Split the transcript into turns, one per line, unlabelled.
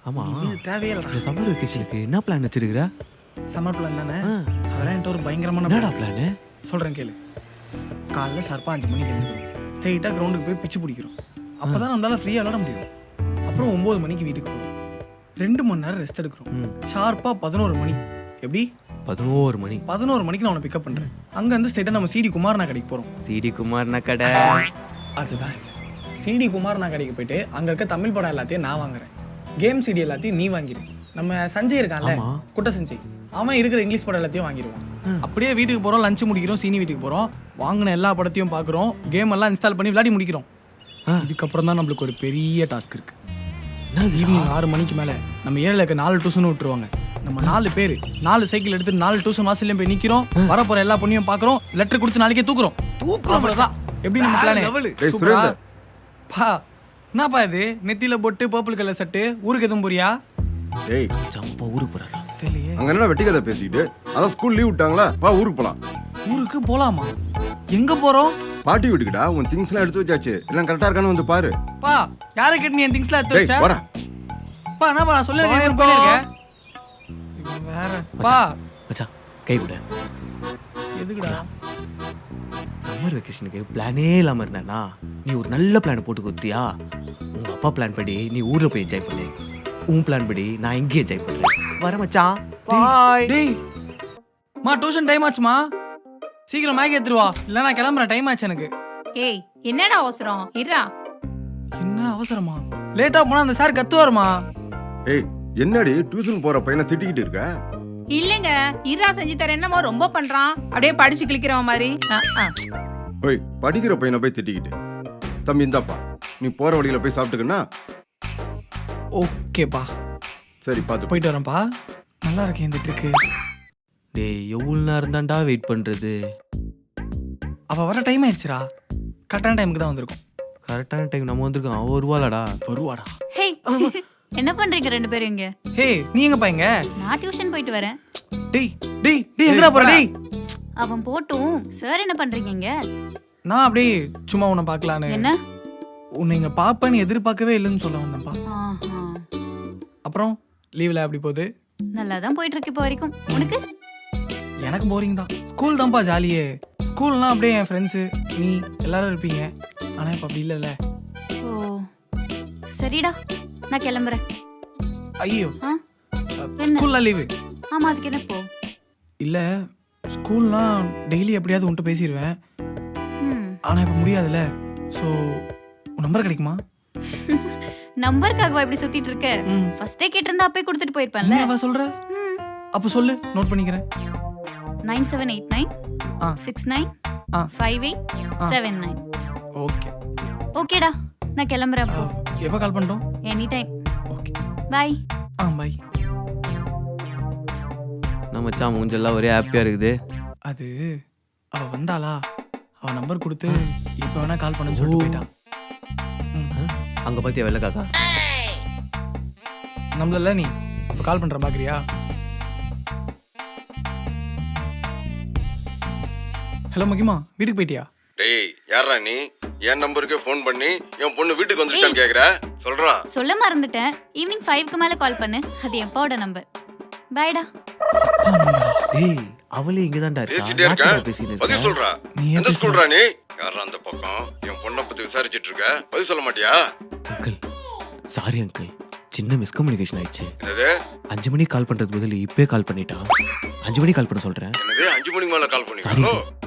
ஆமா
இது தேவையில்லை.
இந்த சம்மர் வெக்கேஷனுக்கு என்ன பிளான் வச்சிருக்கிற?
சம்மர் பிளான் தானே, அதெல்லாம் என்கிட்ட ஒரு பயங்கரமான
என்னடா பிளானு?
சொல்கிறேன் கேளு. காலைல ஷார்ப்பாக 5 மணிக்கு எழுந்துக்கிறோம், ஸ்ட்ரெயிட்டாக கிரவுண்டுக்கு போய் பிச்சு பிடிக்கிறோம். அப்போ தான் நம்மளால ஃப்ரீயாக விளாட முடியும். அப்புறம் 9 மணிக்கு வீட்டுக்கு போகிறோம், 2 மணி நேரம் ரெஸ்ட் எடுக்கிறோம். ஷார்ப்பாக 11 மணி. எப்படி
11 மணி?
11 மணிக்கு நான் உன்னை பிக்கப் பண்ணுறேன். அங்கேருந்து ஸ்ட்ரெயிட்டாக நம்ம சிடி குமாரனா கடைக்கு போகிறோம்.
சிடி குமார்னா கடை?
அதுதான் இல்லை, சிடி குமாரனா கடைக்கு போயிட்டு அங்கே இருக்க தமிழ் படம் எல்லாத்தையும் நான் வாங்குறேன், கேம் சிடி எல்லாத்தையும் நீ வாங்கிடு. நம்ம சஞ்சய் இருக்கான்ல, குட்ட சஞ்சய், அவன் இருக்கிற இங்கிலீஷ் படம் எல்லாத்தையும் வாங்கிடுவான். அப்படியே வீட்டுக்கு போகிறோம், லஞ்சு முடிக்கிறோம், சீனி வீட்டுக்கு போகிறோம், வாங்கின எல்லா படத்தையும் பார்க்குறோம், கேம் எல்லாம் இன்ஸ்டால் பண்ணி விளையாடி முடிக்கிறோம். இதுக்கப்புறம் தான் நம்மளுக்கு ஒரு பெரிய டாஸ்க் இருக்குது. ஈவினிங் 6 மணிக்கு மேலே நம்ம ஏரியாவில் இருக்க 4 டியூஷன் விட்டுருவாங்க. நம்ம 4 பேர் 4 சைக்கிள் எடுத்து 4 டியூஷன் வாசல்லையும் போய் நிற்கிறோம். வரப்போகிற எல்லா பொண்ணையும் பார்க்குறோம், லெட்டர் கொடுத்து நாளைக்கே தூக்குறோம். அவ்வளோதான். எப்படி நம்ம பிளான்? பா என்னப்பா இது, நெத்தியில போட்டு பர்பிள் கலர் சட்டு, ஊருக்கு எதுவும் போறியா?
டேய்
ஜம்பா ஊருக்கு போறாரா?
தெரியலையே.
அங்க என்ன வெட்டி கதை பேசிக்கிட்டு, அதான் ஸ்கூல் லீவ் விட்டாங்களா, வா ஊருக்கு போலாம்.
ஊருக்கு போலாமா? எங்க போறோம்?
பாட்டி வீட்டுக்குடா. உன் திங்ஸ் எல்லாம் எடுத்து வச்சாச்சு, எல்லாம் கரெக்டா இருக்கான்னு வந்து பாரு.
பா யாரை கேட்டு நீ என் திங்ஸ்லாம் எடுத்து
டேய்
வச்ச?
போடா.
பா என்னப்பா நான் சொல்லிருக்கேன், பண்ணிருக்கேன். இவன் வேற. பா
மச்சான் கை விட.
எதுக்குடா?
சம்மர் வெக்கேஷனுக்கு பிளானே இல்லாம இருந்தானா நீ ஒரு நல்ல பிளான் போட்டு கொடுத்தியா? உங்க அப்பா பிளான் படி நீ ஊர்ல போய் என்ஜாய் பண்ணு, உன் பிளான் படி நான் இங்கே என்ஜாய் பண்றேன். வர மச்சான். பாய்.
டேய் மா, டியூஷன் டைம் ஆச்சுமா, சீக்கிரம் மேகி எடுத்துருவா, இல்ல நான் கிளம்புறேன், டைம் ஆச்சு எனக்கு.
ஏய் என்னடா அவசரம், இருடா.
என்ன அவசரமா? லேட்டா போனா அந்த சார் கத்துவாருமா.
ஏய் என்னடி டியூஷன் போற பையனை திட்டிக்கிட்டு இருக்க?
இல்லங்க, இருடா செஞ்சு தரேன். என்னமோ ரொம்ப பண்றான், அப்படியே படிச்சு கிளிக்கிறவன் மாதிரி.
ஓய் படிக்கிற பையனை போய் திட்டிக்கிட்டு. தம்பி இந்தாப்பா, நீ போற வழியில போய் சாப்பிட்டுக்கன்னா.
ஓகேப்பா
சரி பார்த்து
போயிட்டு வரேன்ப்பா. நல்லா இருக்கேன் இந்த ட்ரிக்கு.
டேய் எவ்வளவு நேரம் தான்டா வெயிட் பண்றது?
அவ வர டைம் ஆயிடுச்சுடா, கரெக்டான டைமுக்கு தான் வந்திருக்கும்.
கரெக்டான டைம் நம்ம வந்திருக்கோம். அவன் வருவாளாடா?
வருவாடா.
ஹே என்ன பண்றீங்க 2 பேரும் இங்க?
ஹே நீ எங்கப்பா இங்க?
நான் டியூஷன் போயிட்டு வரேன்.
டேய் டேய் டேய் எங்கடா போற? டேய்
அவன் போட்டும். சார் என்ன பண்றீங்க இங்க?
நான் அப்படியே சும்மா உன்னை பார்க்கலான்னு.
என்ன?
உன்னை இங்க பாப்பேன்னு எதிர்பார்க்கவே இல்லைன்னு சொல்ல வந்தேன்ப்பா.
ஆஹா,
அப்புறம் லீவ்ல அப்படி போகுது?
நல்லா தான் போயிட்டு இருக்கு இப்போ வரைக்கும். உனக்கு?
எனக்கு போரிங் தான். ஸ்கூல் தான்ப்பா ஜாலியே. ஸ்கூல்னா அப்படியே என் ஃப்ரெண்ட்ஸு நீ எல்லாரும் இருப்பீங்க, ஆனா இப்போ அப்படி இல்லைல்ல.
ஓ சரிடா, நான் கிளம்புறேன்.
ஐயோ
ஆ? என்ன?
ஸ்கூல்லாம் லீவு
ஆமா, அதுக்கு என்ன போ?
இல்ல, ஸ்கூல்லாம் டெய்லி எப்படியாவது உன்ட்டு பேசிடுவேன்,
ம்.
ஆனா இப்போ முடியாதுல்ல. ஸோ உன் நம்பர் கிடைக்குமா?
நம்பருக்காகவா இப்படி சுத்திட்டு இருக்க?
ம்.
ஃபர்ஸ்டே கேட்டிருந்தா அப்பே கொடுத்துட்டு போயிருப்பேன்ல.
நீ அவ சொல்ற?
ம்.
அப்போ சொல்லு, நோட் பண்ணிக்கிறேன்.
9789
ஆ
69
ஆ
5879.
ஓகே.
ஓகேடா, நான் கிளம்புறேன் அப்போ.
எப்போ கால் பண்ணிட்டோம்?
Any time.
Okay
bye.
Bye.
நம்ம மச்சான் மூஞ்செல்லாம் ஒரே ஹாப்பியா இருக்குது.
அது அவ வந்தாளா, அவ நம்பர் கொடுத்து இப்போ வேணா கால் பண்ணுன்னு சொல்லிட்டு போயிட்டான்.
அங்க பாத்தியா வெள்ள காக்கா?
நம்மள நீ இப்போ கால் பண்ற பாக்குறியா? ஹலோ மகிமா, வீட்டுக்கு போயிட்டியா?
டேய் யாரா நீ? என் நம்பருக்கே ஃபோன் பண்ணி என் பொண்ணு வீட்டுக்கு வந்துட்டான்னு கேக்குற? சொல்றா.
சொல்ல மறந்துட்டேன். ஈவினிங் 5க்கு மேல கால் பண்ணு. அது எப்பாவோட நம்பர். பாய்டா.
டேய் அவளே இங்க தான்டா
பேசிட்டே இருக்கா?
பேசிட்டு
பதில்
இருக்கா.
சொல்றா.
நீ
எந்த ஸ்கூல்ரா நீ? யாரா அந்த பக்கம் என் பொண்ணை பத்தி விசாரிச்சிட்டு இருக்க? பதில் சொல்ல மாட்டியா?
அங்கிள் சாரி அங்கிள், சின்ன மிஸ்கம்யூனிகேஷன் ஆயிடுச்சு.
என்னது
5 மணிக்கு கால் பண்றது பதில் இப்பவே கால் பண்ணிட்டா. 5 மணிக்கு கால் பண்ண சொல்றேன்.
என்னது 5 மணிக்கு மேல கால்
சாரி
பண்ணீங்களோ?